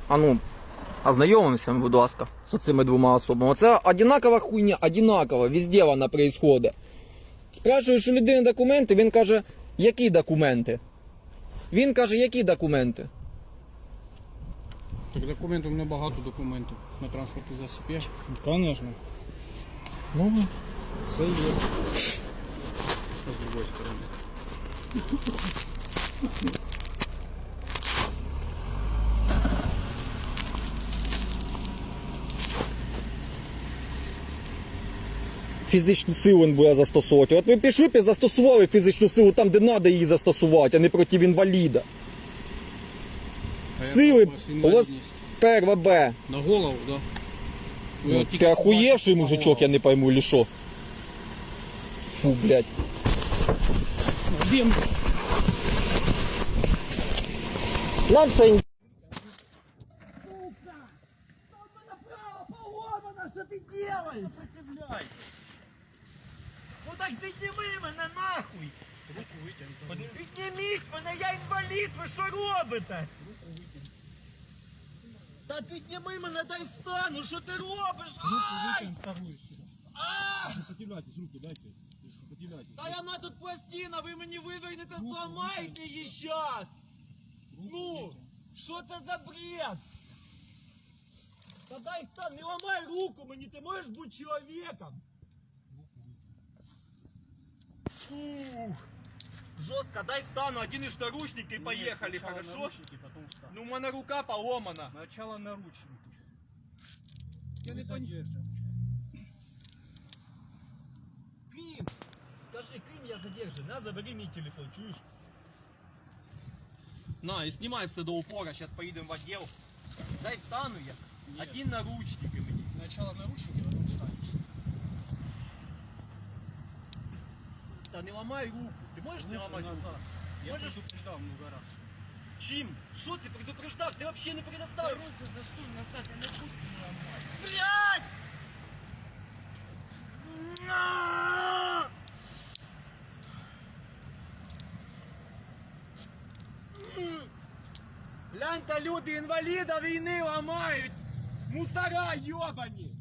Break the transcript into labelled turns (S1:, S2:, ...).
S1: А ну, ознайомимося, будь ласка, з цими двома особами. Це одинакова хуйня, одинакова, везде вона происходить. Спрашуєш у людини документи, він каже, які документи? Він каже, які документи?
S2: Так документів, у мене багато документів на транспортний засіб є.
S3: Конечно.
S1: Ну,
S3: Все є.
S2: А з другої сторони.
S1: фізичну силу він буде застосовувати. От ви пішли б і застосували фізичну силу там, де треба її застосувати, а не проти інваліда.
S2: А
S1: Сили
S2: яка у вас
S1: у вас
S2: інвалідність?
S1: перва Б.
S2: На голову, да? Ви
S1: Ну,
S2: от тільки
S1: ти охуєвший
S2: бачите
S1: мужичок,
S2: голову.
S1: я не пойму, или що? Фу, блядь.
S2: Землю.
S1: Нам ще й...
S4: Что ты делаешь? Сопротивляйся. Ну так підніми мене нахуй.
S2: Руку витягнути.
S4: Підніміть мене, я інвалід, ви що робите?
S2: Руку витягнути.
S4: Та підніми мене, дай встану, що ти робиш? Ай!
S2: Вторую сюди.
S4: А!
S3: Сопротивляйтесь, руку дайте. Сопротивляйтесь.
S4: Та вона тут пластина, ви мені вивернете, зламаєте її щас! Ну, що це за бред? Та дай встань, не ламай руку мені, ти можеш бути чоловіком? Фух. Жестко, дай встану, оденешь наручники и поехали, хорошо?
S2: Наручники, потом встань.
S4: Ну, у меня рука поломана.
S2: Сначала наручники.
S4: Я не понимаю. Крим! Скажи, Крим я задержан, на, забери мой телефон, чуешь? На, и снимай все до упора, сейчас поедем в отдел. Дай встану я.
S2: Нет.
S4: Один наручники мне.
S2: Сначала наручники, потом встанешь.
S4: Да не ломай руку. Ты можешь не ломать руку?
S2: назад. Я
S4: Можешь?
S2: предупреждал много раз.
S4: Чим? Что ты предупреждал? Ты вообще не предоставил.
S2: Руку засунь назад, я не буду не ломать.
S4: Блядь! На! Гляньте, люди інваліда війни ламають! Мусора йобані!